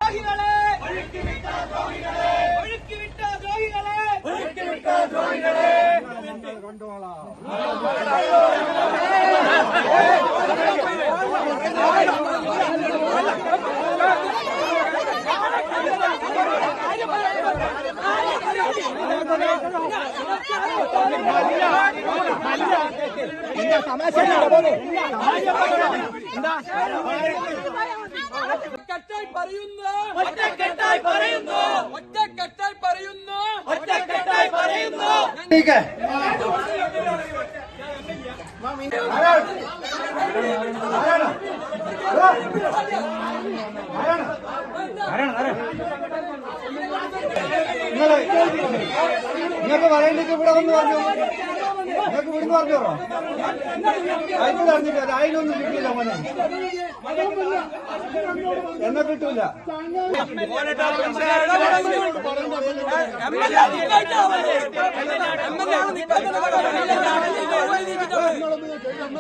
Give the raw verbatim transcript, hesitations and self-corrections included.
ദ്രോഹികളെ ഒഴുക്കിവിട്ട ദ്രോഹികളെ ഒഴുക്കിവിട്ട ദ്രോഹികളെ ഒഴുക്കിവിട്ട ദ്രോഹികളെ കണ്ടോളാം. ഒറ്റക്കെട്ടായി പറയുന്നു ഒറ്റക്കെട്ടായി പറയുന്നു ഒറ്റക്കെട്ടായി പറയുന്നു ഒറ്റക്കെട്ടായി പറയുന്നു നിങ്ങൾക്ക് പറയണ്ടെങ്കിൽ ഇവിടെ വന്ന് പറഞ്ഞു. നിങ്ങൾക്ക് ഇവിടുന്ന് പറഞ്ഞോ. അതിന് പറഞ്ഞില്ല. അതിനൊന്നും കിട്ടിയില്ല മോനെ. എന്നെ കിട്ടൂല. M L A